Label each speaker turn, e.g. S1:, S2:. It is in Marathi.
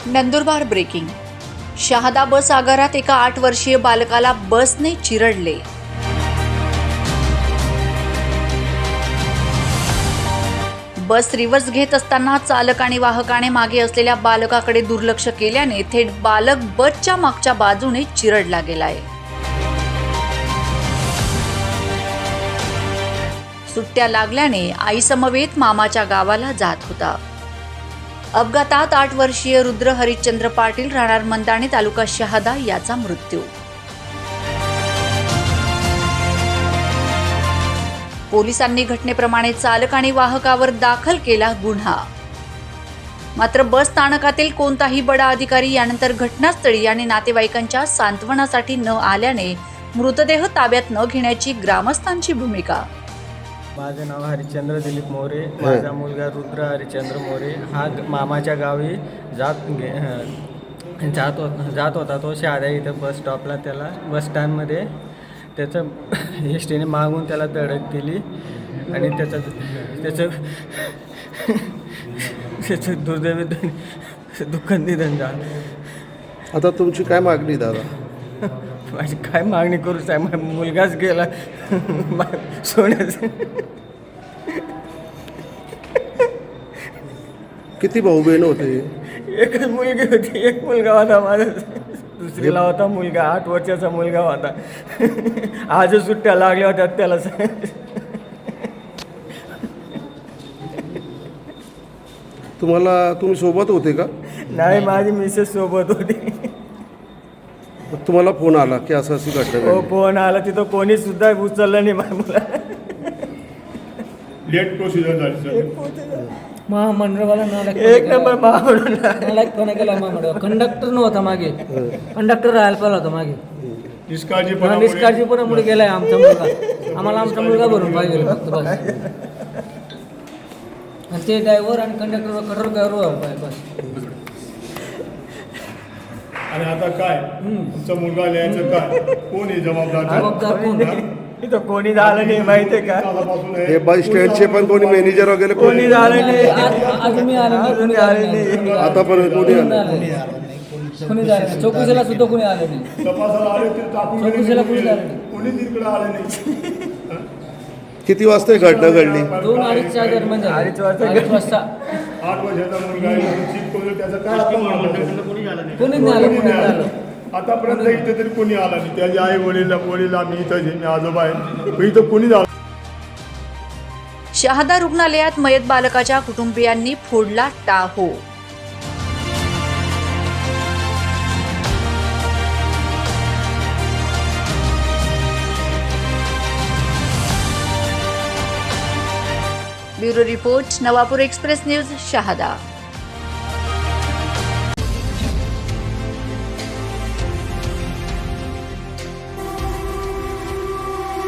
S1: नंदुरबार ब्रेकिंग. शहादा बस आगारात एका 8 वर्षीय बालकाला बसने चिरडले. बस रिव्हर्स घेत असताना चालक आणि वाहकाने मागे असलेल्या बालकाकडे दुर्लक्ष केल्याने थेट बालक बसच्या मागच्या बाजूने चिरडला गेलाय. सुट्ट्या लागल्याने आईसमवेत मामाच्या गावाला जात होता. अपघातात 8 वर्षीय रुद्र हरिश्चंद्र पाटील राहणार मंदाणे तालुका शहादा याचा मृत्यू. पोलिसांनी घटनेप्रमाणे चालक आणि वाहकावर दाखल केला गुन्हा. मात्र बस स्थानकातील कोणताही बडा अधिकारी यानंतर घटनास्थळी आणि नातेवाईकांच्या सांत्वनासाठी न आल्याने मृतदेह ताब्यात न घेण्याची ग्रामस्थांची भूमिका.
S2: माझे नाव हरिश्चंद्र दिलीप मोरे. माझा मुलगा रुद्र हरिश्चंद्र मोरे हा मामाच्या गावी जात होता. तो शहादा इथं बस स्टॉपला त्याला बस स्टँडमध्ये त्याचं एसटीने मागून त्याला धडक दिली आणि त्याचं दुर्दैवी दुःखद निधन झालं.
S3: आता तुमची काय मागणी दादा?
S2: माझी काय मागणी करू साहेब, मुलगाच गेला सोन्याचं.
S3: किती भाऊ बहीण होते?
S2: एकच मुलगी होती, एक मुलगा होता माझा. दुसरीला होता मुलगा, 8 वर्षाचा मुलगा होता. आजच सुट्ट्या लागल्या होत्या त्याला.
S3: तुम्ही सोबत होते का?
S2: नाही, माझी मिसेस सोबत होती.
S3: तुम्हाला फोन आला की असं अशी घटना
S2: हो, फोन आला. तिथं कोणी सुद्धा उचललं नाही माझ्या मुला.
S4: लेट प्रोसिजर झाली.
S5: महामंडळवाला
S2: एक नंबर महामंडळ
S5: कोणा केला महामंडळ. कंडक्टर नव्हता मागे, कंडक्टर राहायला पाहिला होता मागे. निष्काळजीपणामुळे गेलाय आमचा मुलगा. आम्हाला आमचा मुलगा भरून पाहिजे फक्त बस. आणि ते ड्रायव्हर आणि कंडक्टर कठोर बस.
S4: आणि आता काय तुमचा मुलगा लिहायचं काय? कोण आहे जबाबदार?
S5: कोण?
S2: इथं कोणी झालं नाही, माहितीये का?
S3: हे बस स्टँडचे पण कोणी मॅनेजर वगैरे
S2: कोणी झालं नाही.
S5: अजून आले नाही.
S3: आतापर्यंत कोणी आलं?
S5: कोणी झालं नाही. चौकशीला सुद्धा कोणी आले नाही.
S4: तपासाला आले ते टाकून
S5: चौकशीला कोणी झालं नाही.
S4: कोणी तिकडे आले नाही.
S3: किती वाजता ही घटना घडली?
S5: 2-2:30च्या दरम्यान झालं.
S2: 2:30 वाजता.
S5: 2:30 वाजता
S4: 8 वर्षाचा मुलगा आहे, चीट करून त्याचं काय आता म्हणणं?
S5: कोणीच नाही आलं. कोणी आलं
S4: आतापर्यंत इथे तरी कोणी आला नाही. त्याची आई वडील आम्ही इथं मी आजोबा आहे, पण इथं कोणी झालं.
S1: शहादा रुग्णालयात मयत बालकाच्या कुटुंबियांनी फोडला टाहो. Bureau report, Navapur express news, Shahada.